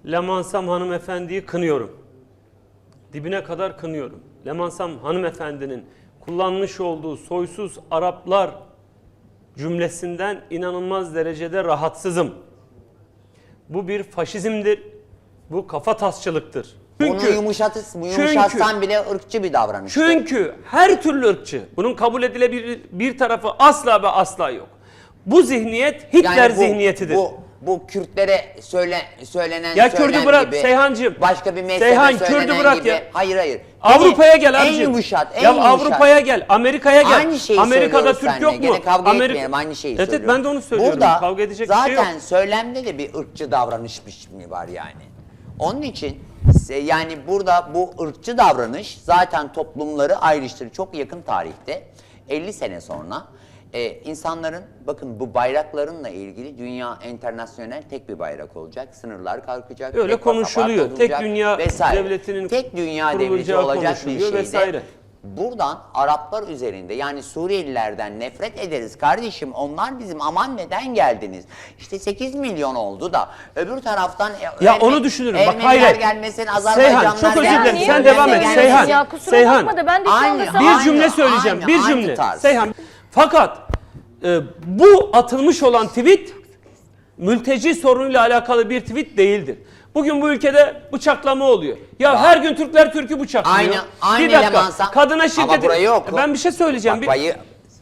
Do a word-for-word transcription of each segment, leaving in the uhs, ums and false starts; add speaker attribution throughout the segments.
Speaker 1: Lemansam hanımefendiyi kınıyorum. Dibine kadar kınıyorum. Lemansam hanımefendinin kullanmış olduğu soysuz Araplar cümlesinden inanılmaz derecede rahatsızım. Bu bir faşizmdir. Bu kafatasçılıktır.
Speaker 2: Çünkü, Bunu yumuşatırsan, yumuşatsan bile ırkçı bir davranış.
Speaker 1: Çünkü her türlü ırkçı. Bunun kabul edilebilir bir tarafı asla ve asla yok. Bu zihniyet Hitler
Speaker 2: yani bu,
Speaker 1: zihniyetidir.
Speaker 2: Bu, bu Kürtlere söyle, söylenen
Speaker 1: ya Kürdü bırak
Speaker 2: gibi,
Speaker 1: Seyhancığım.
Speaker 2: başka bir mezhebe
Speaker 1: Seyhan,
Speaker 2: söylenen
Speaker 1: Kürdü bırak
Speaker 2: gibi.
Speaker 1: ya.
Speaker 2: Hayır hayır.
Speaker 1: Avrupa'ya gel
Speaker 2: en
Speaker 1: abicim.
Speaker 2: Yumuşat, en
Speaker 1: ya
Speaker 2: yumuşat.
Speaker 1: Avrupa'ya gel, Amerika'ya gel.
Speaker 2: Aynı şeyi
Speaker 1: Amerika'da Türk
Speaker 2: seninle.
Speaker 1: yok mu?
Speaker 2: Gene kavga
Speaker 1: Amerika...
Speaker 2: etmeyelim, aynı şeyi
Speaker 1: evet,
Speaker 2: söylüyorum.
Speaker 1: ben de onu söylüyorum.
Speaker 2: Burada
Speaker 1: kavga edecek
Speaker 2: zaten
Speaker 1: bir şey yok.
Speaker 2: söylemde de bir ırkçı davranış biçimi var yani. Onun için yani burada bu ırkçı davranış zaten toplumları ayrıştırır. Çok yakın tarihte elli sene sonra e, insanların bakın bu bayraklarınla ilgili dünya internasyonel tek bir bayrak olacak. Sınırlar kalkacak.
Speaker 1: Öyle konuşuluyor. Tek dünya
Speaker 2: vesaire.
Speaker 1: devletinin
Speaker 2: tek dünya devleti olacak bir şeyde. Vesaire. Buradan Araplar üzerinde yani Suriyelilerden nefret ederiz kardeşim. Onlar bizim aman neden geldiniz? İşte sekiz milyon oldu da öbür taraftan
Speaker 1: ya Erme, onu düşünürüm. Bak hayır.
Speaker 2: gelmesin, Azerbaycanlar
Speaker 1: Seyhan çok özür dilerim.
Speaker 2: gelmesin.
Speaker 1: Sen devam et. Seyhan.
Speaker 3: Ya kusura
Speaker 1: Seyhan.
Speaker 3: bakma da ben de
Speaker 2: Aynı,
Speaker 3: bir
Speaker 1: bir cümle söyleyeceğim.
Speaker 2: Aynı,
Speaker 1: bir
Speaker 2: aynı
Speaker 1: cümle.
Speaker 2: tarz.
Speaker 1: Seyhan. Fakat e, bu atılmış olan tweet mülteci sorunuyla alakalı bir tweet değildir. Bugün bu ülkede bıçaklama oluyor. Ya bak, her gün Türkler Türk'ü bıçaklıyor.
Speaker 2: Aynı, aynı
Speaker 1: bir dakika.
Speaker 2: Lemansa.
Speaker 1: Kadına şiddet.
Speaker 2: Ama burayı oku.
Speaker 1: Ben bir şey söyleyeceğim.
Speaker 2: Bak, bayı...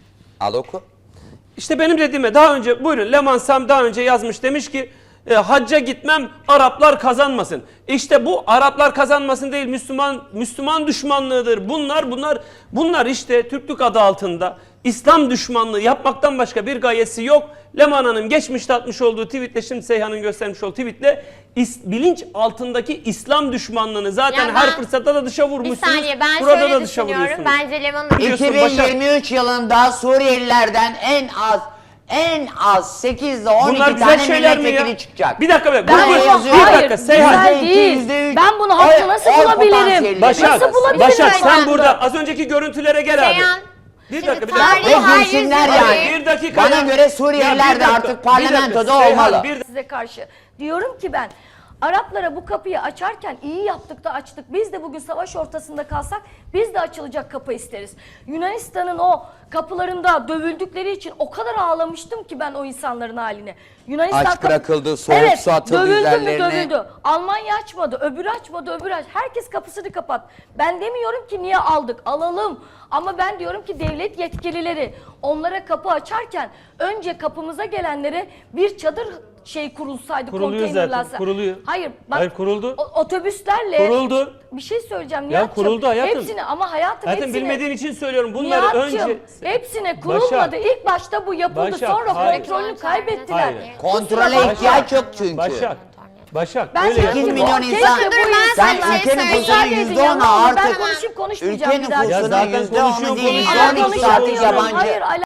Speaker 2: Al oku.
Speaker 1: İşte benim dediğime daha önce buyurun Lemansam daha önce yazmış demiş ki e, hacca gitmem Araplar kazanmasın. İşte bu Araplar kazanmasın değil Müslüman Müslüman düşmanlığıdır. Bunlar bunlar bunlar işte Türklük adı altında İslam düşmanlığı yapmaktan başka bir gayesi yok. Leman Hanım geçmişte atmış olduğu tweetle şimdi Seyhan'ın göstermiş olduğu tweetle is, bilinç altındaki İslam düşmanlığını zaten
Speaker 4: Ya
Speaker 1: her
Speaker 4: ben-
Speaker 1: fırsatta da dışa vurmuşsunuz.
Speaker 4: Bir saniye ben
Speaker 1: Burada
Speaker 4: şöyle
Speaker 1: da dışa
Speaker 4: düşünüyorum.
Speaker 1: vuruyorsunuz.
Speaker 4: Bence Leman'ın
Speaker 1: Biliyorsun,
Speaker 2: iki bin yirmi üç yılında Suriyelilerden en az en az sekiz ile on
Speaker 1: Bunlar
Speaker 2: iki
Speaker 1: güzel
Speaker 2: tane
Speaker 1: şeyler mi ya?
Speaker 2: milletvekili çıkacak.
Speaker 1: Bir dakika be.
Speaker 2: Ben
Speaker 1: bu- bu-
Speaker 2: yazıyorum.
Speaker 1: bir
Speaker 3: Hayır,
Speaker 1: dakika Seyhan.
Speaker 3: güzel
Speaker 2: Yüzde iki,
Speaker 3: değil.
Speaker 2: yüzde üç.
Speaker 3: Ben bunu haklı nasıl
Speaker 2: Oy- oy
Speaker 3: bulabilirim?
Speaker 2: potansiyeli
Speaker 1: Başak,
Speaker 3: Nasıl bulabilirim?
Speaker 1: Başak sen
Speaker 4: Ben-
Speaker 1: burada az önceki görüntülere gel abi.
Speaker 4: Seyhan,
Speaker 1: Bir
Speaker 4: şimdi
Speaker 1: dakika bir
Speaker 4: tarih-
Speaker 1: dakika.
Speaker 2: Ve
Speaker 4: Hayır,
Speaker 2: girsinler
Speaker 4: hayır,
Speaker 2: yani.
Speaker 4: hayır.
Speaker 1: Bir dakika.
Speaker 2: Bana
Speaker 1: ya.
Speaker 2: göre Suriyeliler
Speaker 1: Ya bir
Speaker 2: de
Speaker 1: dakika,
Speaker 2: artık
Speaker 1: bir dakika.
Speaker 2: parlamentoda
Speaker 1: Seyhan,
Speaker 2: olmalı.
Speaker 1: bir-
Speaker 3: Size karşı. Diyorum ki ben Araplara bu kapıyı açarken iyi yaptık da açtık. Biz de bugün savaş ortasında kalsak biz de açılacak kapı isteriz. Yunanistan'ın o kapılarında dövüldükleri için o kadar ağlamıştım ki ben o insanların haline. Yunanistan
Speaker 2: Aç
Speaker 3: kapı-
Speaker 2: bırakıldı, soğuk
Speaker 3: evet,
Speaker 2: su atıldı
Speaker 3: dövüldü
Speaker 2: üzerlerine.
Speaker 3: mü dövüldü. Almanya açmadı, öbürü açmadı, öbürü aç. Herkes kapısını kapat. Ben demiyorum ki niye aldık, alalım. Ama ben diyorum ki devlet yetkilileri onlara kapı açarken önce kapımıza gelenlere bir çadır şey kurulsaydı,
Speaker 1: Kuruluyor
Speaker 3: konteynerlerse.
Speaker 1: zaten, kuruluyor.
Speaker 3: Hayır, bak,
Speaker 1: Hayır, kuruldu.
Speaker 3: o- otobüslerle.
Speaker 1: Kuruldu.
Speaker 3: Bir şey söyleyeceğim Nihat'cığım.
Speaker 1: Ya kuruldu hayatım.
Speaker 3: Hepsini ama hayatım
Speaker 1: Zaten
Speaker 3: hepsini.
Speaker 1: bilmediğin için söylüyorum. Bunları
Speaker 3: Nihat'cığım,
Speaker 1: önce...
Speaker 3: hepsine kurulmadı.
Speaker 1: Başak.
Speaker 3: İlk başta bu yapıldı.
Speaker 1: Başak,
Speaker 3: Sonra
Speaker 1: hayır.
Speaker 3: kontrolünü kaybettiler.
Speaker 1: Hayır.
Speaker 2: Kontrole
Speaker 3: Kusura
Speaker 2: ihtiyaç yok çünkü.
Speaker 1: Başak. Başak.
Speaker 3: Ben
Speaker 1: öyle
Speaker 3: sekiz
Speaker 2: sekiz
Speaker 1: yapma.
Speaker 2: milyon
Speaker 3: Keşke
Speaker 2: insan.
Speaker 3: bu
Speaker 4: ben
Speaker 2: Sen
Speaker 4: sana
Speaker 2: ülkenin
Speaker 4: söyleyeyim.
Speaker 2: nüfusunun
Speaker 3: Müsaade edin
Speaker 2: yüzde
Speaker 3: ya,
Speaker 2: onu
Speaker 3: ne olur, ben
Speaker 2: artık
Speaker 3: konuşayım konuşmayacağım
Speaker 2: ülkenin
Speaker 3: bir daha.
Speaker 1: Ya
Speaker 2: nüfusunun
Speaker 1: zaten
Speaker 2: yüzde onu
Speaker 1: konuşuyor,
Speaker 2: değil,
Speaker 1: konuşuyor.
Speaker 2: yüzde on iki saati
Speaker 3: Konuşamıyorum.
Speaker 2: yabancı.
Speaker 3: Hayır,